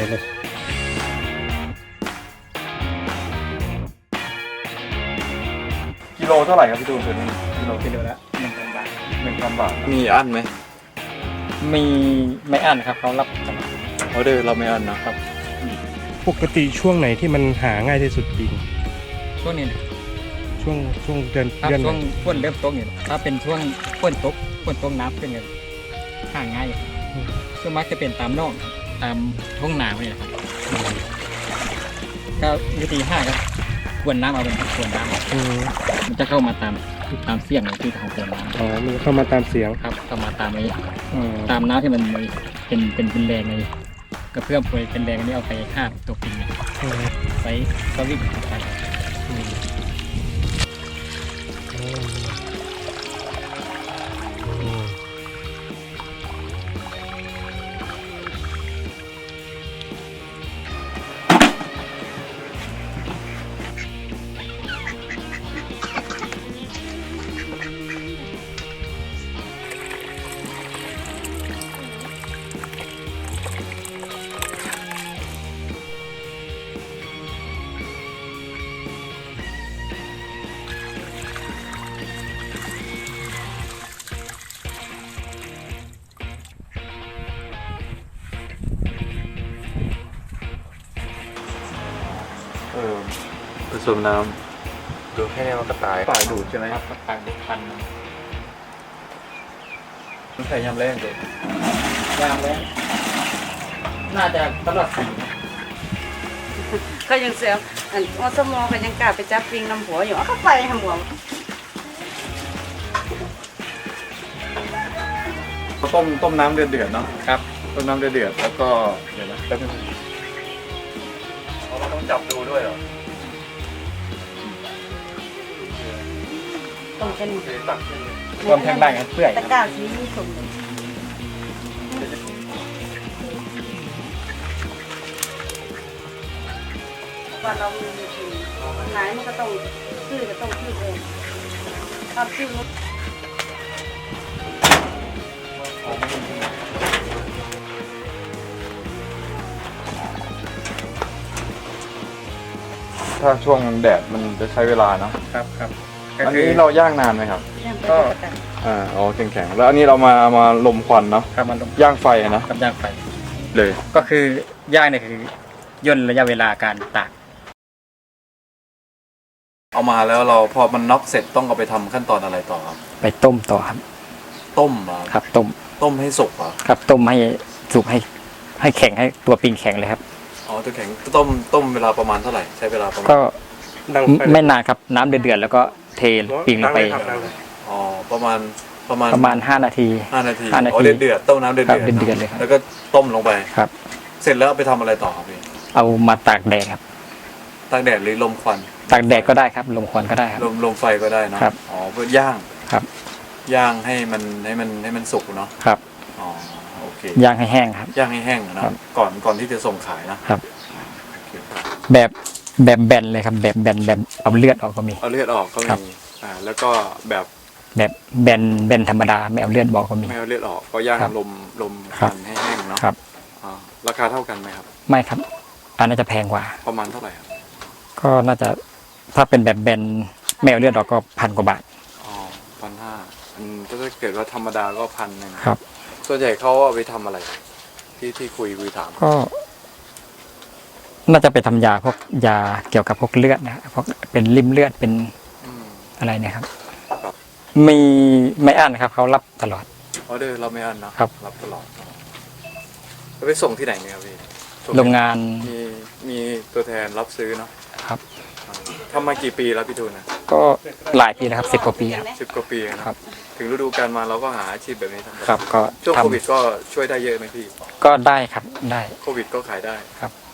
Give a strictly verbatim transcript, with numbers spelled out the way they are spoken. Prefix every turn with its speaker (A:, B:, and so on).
A: เลย
B: กิโลเท่าไหร่ครับพี่ตูนตัวนี้กิโล
A: กิโลละหนึ่งพันบาท
B: หนึ่งพันบาท
C: มีอันไหม
A: มีไม่อั้นครับเขารับตลอด
C: ออเดอร์เราไม่อันนะครับ
D: ปกติช่วงไหนที่มันหาง่ายที่สุดปีน
A: ช่วงนี้นะ
D: ช่วงช่วงเดือน
A: ครับ
D: เดือนไห
A: ช่วน งฝนเริ่มตกเนี่ยถ้าเป็นช่วงฝนตกฝนตกน้ำขึ้นเนี่ยห่างง่ายส่วนมากจะเป็นตามนอกตามท้องนาเนี่ยนะครับก็วิธีห้าครับกวนน้ำเอาเป็นกวนน้ำ
D: อืม
A: มันจะเข้ามาตามตามเสียงในที่ทางกวนน้ำ
D: อ๋อมันเข้ามาตามเสียง
A: ครับเข้ามาตามนี้
D: อืม
A: ตามน้ำที่มันมีเป็นเป็นเป็นแรงเลยกระเพื่อมพวยเป็นแรงอันนี้เอาไปห้าบตัวปิงเนี่ย
D: อืม
A: ไซส์สวิตช์ไป
D: อืมอืม
B: เออ
C: ผสมน้ำดูแค่นี้มันก็ตาย
B: ฝ่ายดูดใช่ไหม
A: ครับต่างเด็กพัน
B: มันใส่ยำแรงเลย
A: ยามแล้วน่าจะตลอดปี
E: เขายังเสียอันอสมอก็ยังกล้าไปจับปิงน้ำหัวอยู่เอาเข้าไปทำหัว
B: ต้มต้มน้ำเดือดเดือดเนาะ
A: ครับ
B: ต้มน้ำเดือดเดือดแล้วก็เดี๋ยวนะแป๊บนึงเราต้องจับดูด้วยเหรอ
E: ต้องเป็น
B: โอเคตักขึ้นเลย
A: รวมทั้งได้กันเปื่อย
E: ตะกร้าสีสมว่าเรามีจริงขายมันก็ต้องซื้อก็ต้องซื้อเองทำซื้อรถ
B: ถ้าช่วงแดดมันจะใช้เวลาเนาะ
A: ครับครับก็
B: อัน
A: คือ
B: นี้เราย่างนานไหมครับ
E: ย่างไป
A: ก็
E: ตะกร้า
B: อ่าอ๋อแข็งๆแล้วอันนี้เรามามาลมควันเนาะ
A: ครับมันลง
B: ย่างไฟอะนะ
A: กับย่างไฟ
B: เลย
A: ก็คือย่างเนี่ยคือย่นระยะเวลาการตาก
C: เอามาแล้วเราพอมันน็อกเสร็จต้องเอาไปทำขั้นตอนอะไรต่อครับ
A: ไปต้มต่อครับ
C: ต้มเหรอ
A: ครับต้ม
C: ต้มให้สุกเหรอ
A: ครับต้มให้สุกให้ให้แข็งให้ตัวปิงแข็งเลยครับ
C: อ๋อตัวแข็งต้มต้มเวลาประมาณเท่าไหร่ใช้เวลาประมาณ
A: ก็
D: ดังไฟ
A: ไม่นานครับน้ำเดือดๆแล้วก็เทปิงลงไป
D: ดัเลยครับดังเลย
C: อ๋อประมาณประมาณ
A: ประมาณห้านาที
C: ห้านาที
A: ห้านาที
C: อ๋อเดือดเดือดต้มน้ำเดือด
A: ครับ
C: เดือด
A: เดือดๆเลยครับ
C: แล้วก็ต้มลงไป
A: ครับ
C: เสร็จแล้วเอาไปทำอะไรต่อครับพี่
A: เอามาตากแดดครับ
C: ตากแดดหรือลมควัน
A: ตากแดดก็ได้ครับลมควันก็ได้ครับ
C: ลมลมไฟก็ได้เนอะ
A: ครับ
C: อ๋อเพื่อย่าง
A: ครับ
C: ย่างให้มันให้มันให้มันสุกเนาะ
A: ครับ
C: อ๋อโอเค
A: ย่างให้แห้งครับ
C: ย่างให้แห้งอะเนอะ
A: ครับ
C: ก่อนก่อนที่จะส่งขายนะครับ โอเค
A: แบบแบบแบนเลยครับ แบบแบนแบบเอาเลือดออกก็มี
C: เอาเลือดออกก็
A: ครับ
C: มีอ่าแล้วก็แบบ
A: แบบแบนแบนธรรมดาไม่เอาเลือดบอกก็มี
C: ไม่เอาเลือดออกก็ย่าง
A: ครับ
C: ลมลม
A: ครับ
C: ควันให้แห้งเนาะ
A: ครับ
C: อ๋อราคาเท่ากันไหมครับ
A: ไม่ครับอันน่าจะแพงกว่า
C: ประมาณเท่าไหร่ครับ
A: ก็น่าจะถ้าเป็นแบบแบนไม่เอาเลือดออกก็พันกว่าบาท
C: อ๋อพันห้าอืมถ้าเกิดว่าธรรมดาก็พันหนึ่ง
A: ครับ
C: ส่วนใหญ่เขาเอาไปทำอะไร ที่ที่คุยคุยถาม
A: ก็ น่าจะไปทำยาพวกยาเกี่ยวกับพวกเลือดนะพวกเป็นริ่มเลือดเป็น
C: อืม
A: อะไรเนี่ยครับ
C: ครับ
A: มีไม่อั้นครับเขารับตลอด
C: ออเดอร์เราไม่อันเนอะรับตลอดแล้วไปส่งที่ไหนเนี่ยครับพี่ส่ที่
A: โรงงาน
C: มีมีตัวแทนรับซื้อเนาะ
A: ครับ
C: อ่าทำมากี่ปีแล้วพี่ตูนนะ
A: ก็หลายปีแล้วครับสิบกว่าปีครับ
C: สิบกว่าปีนะครับ ถึงฤดูกาลมาเราก็หาอาชีพแบบนี้ทำ
A: ครับ ก็
C: ช่วง
A: ท
C: โควิดก็ช่วยได้เยอะไหมพี่
A: ำก็ได้ครับได้
C: โควิดก็ขายได้
A: ครับ